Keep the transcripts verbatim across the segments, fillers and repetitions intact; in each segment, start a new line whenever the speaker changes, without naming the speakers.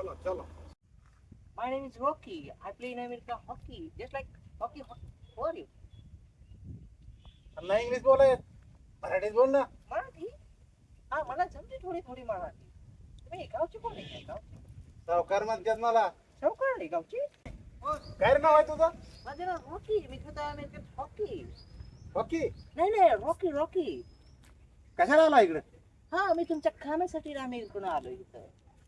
चलो चलो.
My name is Rocky. I play in America hockey, just like hockey. ho- Who are you?
नाही English बोलाय, मराठीत बोल ना.
मराठी? हा मला जमते थोडी थोडी मराठी. तुम्ही गावची कोण आहे गावची?
सावकार म्हणतात मला.
सावकार आहे गावची?
काय रे नाव आहे तुझं?
माझं नाव रॉकी. मी खेळतो अमेरिकेत हॉकी.
ओके.
नाही नाही रॉकी रॉकी.
कशाला आला इकडे?
हा मी तुमच्या कामासाठी अमेरिकेतून आलो इथं.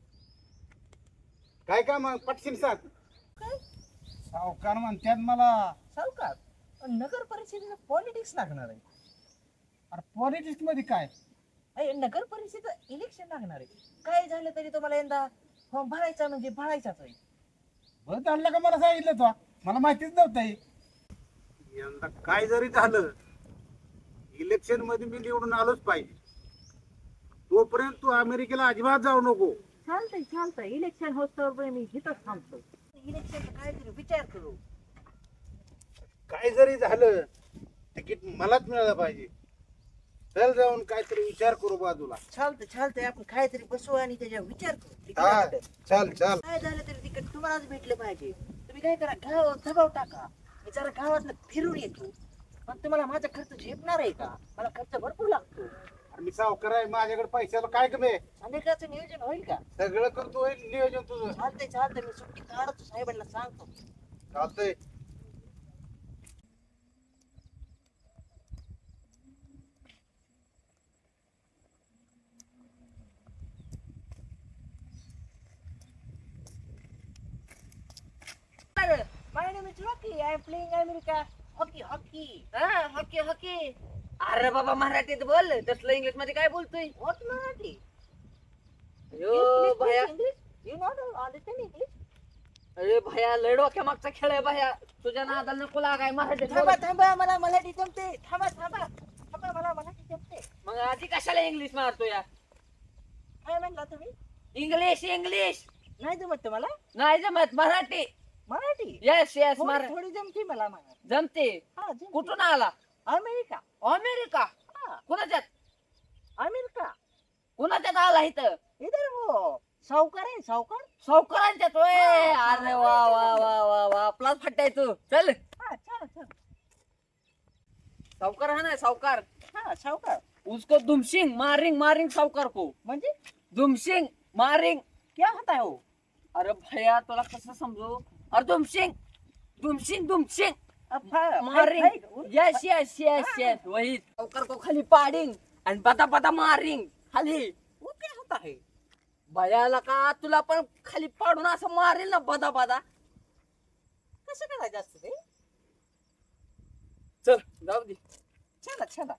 काय काम आहे? पटशील सांग.
काय?
सावकार म्हणतात मला.
सावकार? पण नगर परिषदेला पॉलिटिक्स लागणार आहे.
अरे पॉलिटिक्स मध्ये काय?
अरे नगर परिषदेत इलेक्शन लागणार आहे. काय झालं तरी तुम्हाला यंदा फॉर्म भरायचा म्हणजे भरायचाच आहे.
बरं आणलं का मला सांगितलं तू? मला माहितीच नव्हतं हे. यंदा काय जरी झालं इलेक्शन मध्ये मी निवडून आलोच पाहिजे. तोपर्यंत तू अमेरिकेला अजिबात जाऊ नको.
चालतंय चालतंय इलेक्शन होस्तोवर मी इथंच थांबतो. इलेक्शनचा काहीतरी विचार करू.
काय जरी झालं तिकीट मलाच मिळालं पाहिजे. चल जाऊन काहीतरी विचार करू बाजूला.
चालतंय चालतंय आपण काहीतरी बसू आणि त्याच्यावर विचार करू.
हा,
तिकीटाबद्दल.
चल चल.
काय झालं तरी तिकीट तुम्हालाच भेटलं पाहिजे. तुम्ही काय करा गावावर दबाव टाका. मी जरा गावातनं फिरून येतो. पण तुम्हाला माझा खर्च झेपणार आहे का? मला खर्च भरपूर लागतो.
अरे मी सावकार आहे, माझ्याकडे पैशाला काय कमी आहे?
अमेरिकाचं नियोजन होईल का?
सगळं करतोय नियोजन तुझं.
चालतंय चालतंय मी सुट्टी काढतो साहेबांना सांगतो.
चालतंय.
My name is Rocky. I am playing America hockey hockey. हा hockey hockey.
अरे बाबा मराठीत बोल, तसलं इंग्लिश मध्ये काय बोलतोय?
What Marathi?
अयो
You speak
भया,
English? You not understand English?
अरे भया लय डोक्या मागचा खेळ आहे भया. तुझ्या नादाला नको लागाय मराठीत बोल.
थांबा थांबा मला मराठी जमते. थांबा थांबा थांबा मला मराठी जमते.
मग आधी कशाला इंग्लिश मारतो या?
काय म्हणला तुम्ही?
इंग्लिश इंग्लिश
नाही जमत तुम्हाला?
नाही जमत, मराठी.
मराठी?
येस येस
थोडी
मरा
थोडी जमते मला मराठी.
जमते.
हा जमते.
कुठून आला?
अमेरिका.
अमेरिका?
हा
कुणाच्यात?
अमेरिका.
कुणाच्यात आला इथं?
इधर वो सावकार आहे सावकार.
सावकारांच्यात होय. अरे वा वा वा वा वा आपलाच फट्टाय तू. चल
हा चला चला.
सावकार हा ना सावकार.
हा सावकार
उसको दुमसिंग मारिंग मारिंग सावकार को.
म्हणजे
दुमसिंग मारिंग.
क्या होता है वो?
अरे भैया तुला कसं समजू? अरे दुमसिंग दुमसिंग दुमसिंग मारिंग. यस यस यस यस वही सावकार को खाली पाडिंग आणि पता पता मारिंग खाली.
वो क्या होता है?
भयाला का तुला पण खाली पाडून असं मारेल ना बदा बदा.
कसं करायचं असतं ते?
चल जाऊ दे.
चला चला.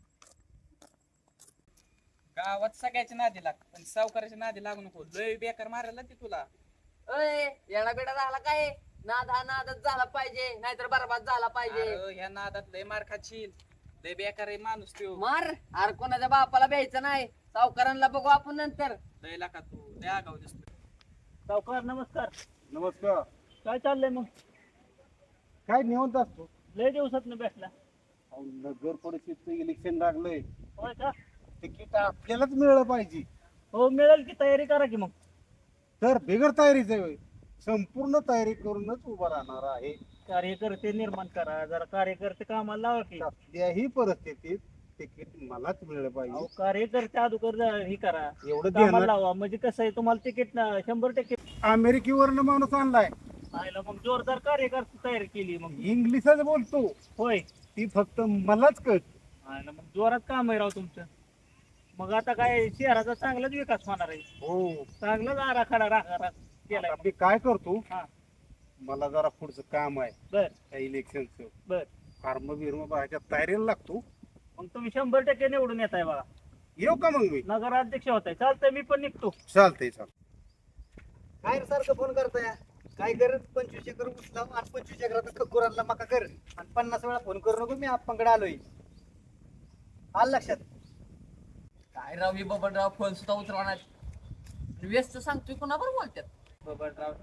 गावात सगळ्याच्या नादी लाग पण सावकाराच्या नादी लागू नको. लय बेकार मारायला ती तुला.
अय येडा बेडा झाला काय? नाद हा नादच झाला पाहिजे नाहीतर बरबाद झाला पाहिजे.
अरे ह्या नादात लय मार खाशील. लय बेकार आहे माणूस त्यो.
मार. अरे कोणाच्या बापाला भ्यायचं नाही. सावकारांना बघू आपण नंतर.
लय लाका तू लय आगाव दिसतो.
सावकार नमस्कार.
नमस्कार.
काय चाललंय मग?
काय निवंत असतो?
लय दिवसात भेटला.
अहो, नगर परिषदचं इलेक्शन लागलंय.
होय का?
तिकीट आपल्यालाच मिळालं पाहिजे.
हो मिळेल की तयारी करा की मग.
तर बिगर तयारीचं आहे. संपूर्ण तयारी करूनच उभा राहणार आहे.
कार्यकर्ते निर्माण करा. जरा कार्यकर्ते कामाला लावा की.
कसल्याही परिस्थितीत तिकीट मलाच मिळालं
अहो,
पाहिजे.
कार्यकर्ते अगोदर जरा हे करा.
एवढं
कामाला
देणार.
लावा म्हणजे कसं आहे तुम्हाला तिकीट ना शंभर टक्के.
अमेरिकेवरनं माणूस आणलाय.
आयला मग जोरदार कार्यकर्ते तयारी केली मग.
इंग्लिशच बोलतो.
होय.
ती फक्त मलाच कळत.
आयला मग जोरात काम आहे राव तुमचं. मग आता काय शहराचा चांगलाच विकास होणार आहे.
हो.
चांगलाच आराखडा राखा केलाय.
आता मी काय करतो,
हा
मला जरा पुढचं काम आहे
बर
त्या इलेक्शनचं.
बर.
फार्म बिर्म भरायच्या तयारीला लागतो.
मग तुम्ही शंभर टक्के निवडून येत आहे बघा.
येऊ का मग मी?
नगराध्यक्ष होत आहे. चालतंय मी पण निघतो.
चालतंय चालतंय.
काय रे सारखं फोन करताय? काय कर पंचवीस एकर ऊस लाव आणि पंचवीस एकरात गुरांना मका कर आणि पन्नास वेळा फोन करू नको. मी आपणकडे आलोय. आलं लक्षात?
काय राव ही बबनराव फोन सुद्धा उतरवणार. व्यस्त सांगतोय कोणावर बोलतात?
बबनराव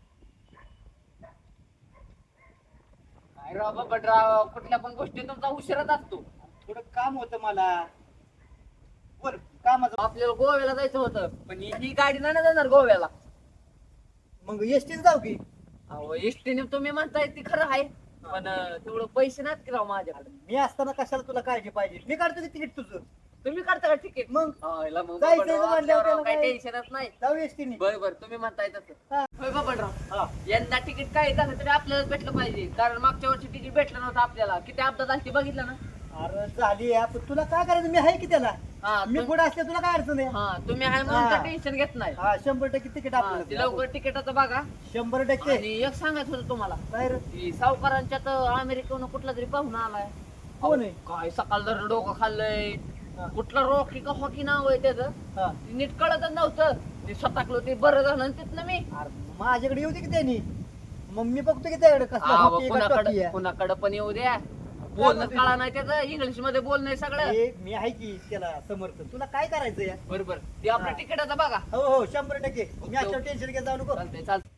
काय राव बबनराव कुठल्या पण गोष्टी तुमचा उशिराच असतो.
थोडं काम होतं मला. बोल कामाचं.
आपल्याला गोव्याला जायचं होतं पण ही ही गाडी नाही ना जाणार गोव्याला.
मग एसटीन जाऊ की
अहो एसटीने तुम्ही म्हणताय ती खरं आहे पण अं, तेवढं पैसे नाहीत की राव माझ्याकडे.
मी असताना कशाला तुला काळजी पाहिजे मी काढतो की तिकीट तुझं
तुम्ही काढता का तिकीट?
मग
आयला मग
जायचं
बाबा,
म्हणल्यावर
आपल्यावर
त्याला
काही
काय?
टेन्शनच नाही.
जाऊ एसटीने
बर बर तुम्ही म्हणताय तसं.
हा.
होय बाबा
हा
यंदा तिकीट काय झालं तरी आपल्याला भेटलं पाहिजे कारण मागच्या वर्षी तिकीट भेटलं नव्हतं आपल्याला. किती अपघात झाली बघितलं ना.
अरे झाली आहे, पण तुला काय करायचं मी आहे की त्याला
हा
मी
तुम-
पुढे असले तुला काय अडचण आहे
हा तुम्ही आहे म्हणून
हा.
टेन्शन घेत नाही.
हा शंभर टक्के तिकीट
हा, ते
आपल्याला
लवकर तिकिटाचं बघा.
शंभर टक्के
आणि एक सांगायचं होतं तुम्हाला
काय रे
की सावकारांच्या तर अमेरिकेहून कुठला तरी पाहुणा आलाय.
कोण आहे
काय सकाळ जर डोकं खाल्लंय.
हा.
कुठला रॉकी का हॉकी नाव आहे त्याचं
हा.
ते नीट कळतच नव्हतं. ते स्वतःकलं ते बरं झालं आणि तिथनं मी
अरे माझ्याकडे येऊ दे की त्यांनी मग मी बघतो की त्याकडे कसला
अहो,
hockey का
कुणाकडं
hockey आहे.
कुणाकडं पण येऊ द्या. बोलणं कळा नाही त्याचं इंग्लिश मध्ये बोलणं सगळं.
हे मी आहे की त्याला समर्थ तुला काय करायचं या
बरोबर ते आपल्या
हा.
तिकिटाचं बघा.
हो हो शंभर टक्के मी आता टेन्शन घेत जाऊ नको
चालतंय चालतंय.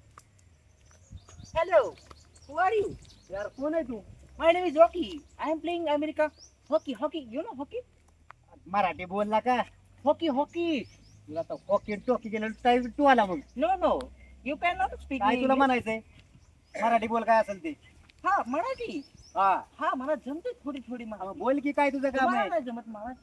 हॅलो हू आर यू यार कोण आहे तू my name is Rocky I am playing America hockey hockey you know hockey
Marathi बोलला का
हॉकी हॉकी
तुला तर हॉकी टॉकी गेलं टाईम टू आला मग
no no you can not speak
काय तुला म्हणायचंय मराठी बोल काय असेल ते
हा मराठी
हा
हा मला जमते थोडी थोडी
मग
मराठी
बोल की काय तुझं काम
तुम्हाला
आहे
नाही जमत मराठी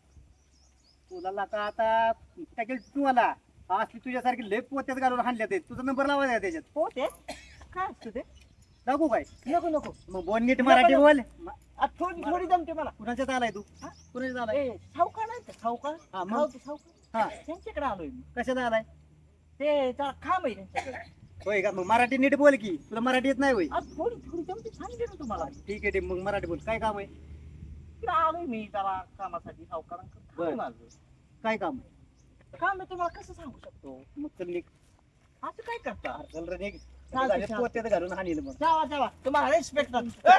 तुला लाका आता टाकेल टू आला असली तुझ्यासारखी लय पोत्यात घालून हाणल्या ते तुझा नंबर लावायचा त्याच्यात
हो ते काय असतं ते
दाखवू काय
नको नको
मग बोल नीट मराठी बोल
आ, थोडी थोडी जमते मला
कुणाच्यात आलाय तू
हा?
कुणाच्यात आलाय
ए सावकार नाही का सावकार
हा, मग?
गावचे सावकार
हा
त्यांच्याकडे आलोय मी
कशात आलाय
ते जरा खांब आहे त्यांच्याकडे
होय का मग मराठी नीट बोल की तुला मराठी येत नाही होय
आ, थोडी थोडी जमते सांगते ना तुम्हाला
ठीक आहे ठीक मग मराठी बोल काय काम आहे
इकडे आलोय मी जरा कामासाठी सावकारांकडे
बरं.
थांबून आलोय.
काय काम
काम मी तुम्हाला कसं सांगू शकतो
मग चल निघ
असं काय करता
चल रे निघ
चालतंय,
झाले
चालतंय.
पोत्यात घालून हाणील मग
जावा जावा तुम्हाला रिस्पेक्ट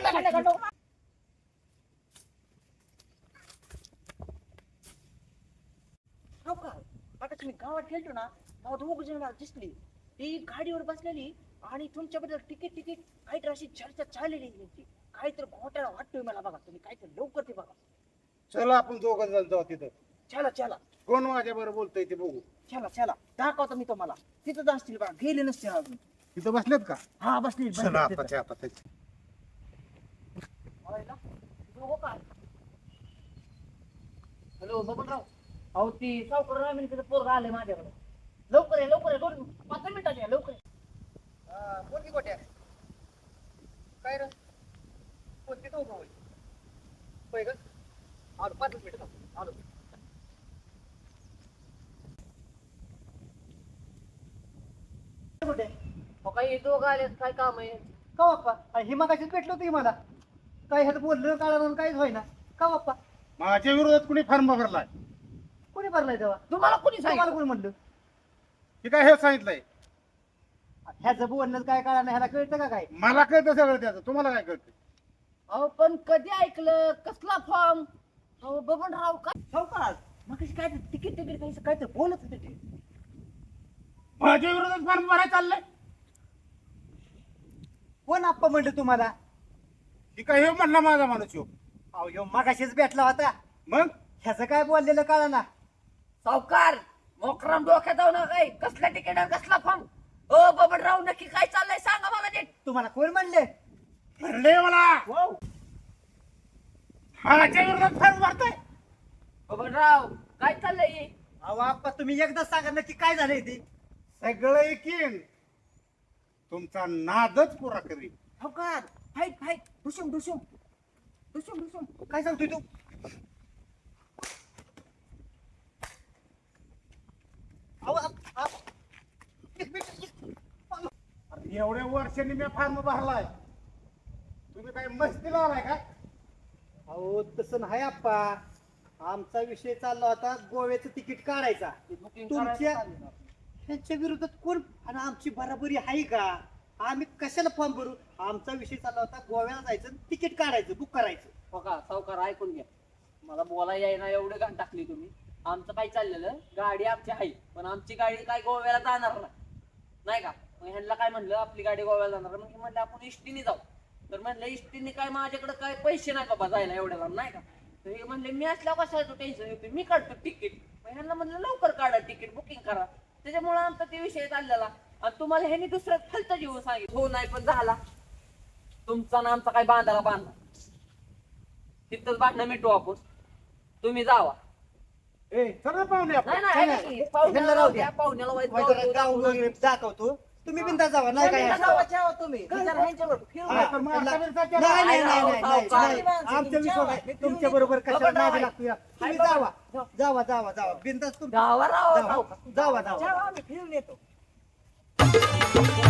आता तुम्ही गावात गेलतो ना गावात उग जण दिसली ती गाडीवर बसलेली आणि तुमच्याबद्दल तिकीट तिकीट काहीतरी अशी चर्चा चाललेली आहे त्यांची काहीतरी घोटाळा वाटतोय मला बघा तुम्ही काहीतरी लवकर ते बघा
चला आपण दोघं जण जाऊ तिथं
चला चला
कोण माझ्या बरोबर बोलतोय ते बघू
चला चला दाखवतो मी तुम्हाला तिथं असतील बघा गेले नसतील अजून
तिथं बसलेत का
हा बसली
चला आताच्या आता
हॅलो बबनराव अहो ती सावकार अमेरिकेचं पोरगा आलंय माझ्याकडे. लवकर आहे लवकर आहे दोन पाच मिनिटाची आहे लवकर आहे.
बोल की गोट्या काय रे कोणती तो होय होय का आलो पाच मिनिट आलो कुठे
हो काही दोघं आले काय काम आहे.
का बाप्पा अरे ही मगाशीच भेटलो होती मला काय ह्यात बोललं काढा काहीच होईना का बाप्पा
माझ्या विरोधात कुणी फॉर्म भरलाय
कोणी भरलाय तेव्हा
तुम्हाला कोणी
तुम्हाला
सांगितलं.
कोणी म्हणलं
हे काय हे सांगितलंय
ह्याचं बोलणं काय कळा नाही ह्याला कळतं का काय
मला कळतं सगळं त्याचं तुम्हाला काय कळतं
अहो पण कधी ऐकलं कसला फॉर्म. अहो बबनराव काय
सावकार मग काय तिकीट तिकीट काही काहीतरी बोलत होते ते
माझ्या विरोधात फॉर्म भरायला चाललंय
कोण आप्पा म्हणलं तुम्हाला
हे काय हे म्हणला माझा माणूस ह्यो.
अहो ह्यो मगाशीच भेटला होता
मग
ह्याचं काय बोललेलं कळा ना
सावकार मोकराम डोक्यात जाऊ नका काय कसला तिकीट आणि कसला फॉर्म. ओ बबनराव नक्की काय चाललंय सांगा मला नीट.
तुम्हाला कोण म्हणले
भरले मला
वाव
माझ्या विरोधात फॉर्म भरताय
बबनराव काय चाललंय.
अहो आप्पा तुम्ही एकदा सांगा नक्की काय झालंय ते
सगळं एकीन तुमचा नादच पुरा करीन.
सावकार फाईट फाईट डुशुम डुशुम डुशुम डुशुम
काय सांगतोय तू अहो, आप- आप- एक मिनिट, एक-
अरे एवढ्या वर्षांनी मी फॉर्म भरलाय तुम्ही काय मस्तीला आलाय का
अहो तसं नाही आप्पा आमचा विषय चालला होता गोव्याचं तिकीट काढायचा तुमच्या त्यांच्या विरोधात कोण आणि आमची बराबरी आहे का आम्ही कशाला फॉर्म भरू आमचा विषय चालला होता गोव्याला जायचं तिकीट काढायचं बुक करायचं
हो का सावकार ऐकून घ्या मला बोला यायना एवढं घाण टाकली तुम्ही. आमचं काय चाललेलं गाडी आमची आहे पण आमची गाडी काय गोव्याला जाणार नाही नाही का. मग ह्यांना काय म्हणलं आपली गाडी गोव्याला जाणार मग म्हणलं आपण इष्टीने जाऊ. तर म्हणलं इष्टीने काय माझ्याकडे काय पैसे नाही बाबा जायला एवढ्या लांब नाही का. तर हे म्हणले मी असल्यावर कशाला टेन्शन येते मी काढतो तिकीट. मग ह्यांना म्हणलं लवकर काढा तिकीट बुकिंग करा त्याच्यामुळे आमचा ते विषय चाललेला आणि तुम्हाला ह्यानी दुसऱ्या खालचा जीव सांगितलं हो नाही पण झाला तुमचा ना आमचा काय बांधाला बांधा तिथंच भांडणं मिटू आपण तुम्ही जावा
ए चल ना पाहुणे आपण.
नाही नाही ऐका की, पाहुण्याला
ह्याला राहू द्या.
पाहुण्याला वाईट
वाईट
जाऊ
गाव
देऊ.
वगैरे दाखवतो तुम्ही बिंदा जावा नाही काय
बिनधास्त जावा, जावा तुम्ही विचार ह्यांच्याबरोबर फिरू
हा,
नका.
पण मग
त्याला-
आता बिनधास्त करा.
नाही नाही नाही नाही, नाही
सावकार.
नाही. आमच्या विश्वास तुमच्या बरोबर कशाला नादी लागतो या? तुम्ही जावा जावा जावा जावा बिंदास तुम्ही
जावा राव
जावा जावा जावा
जावा, आम्ही फिरून येतो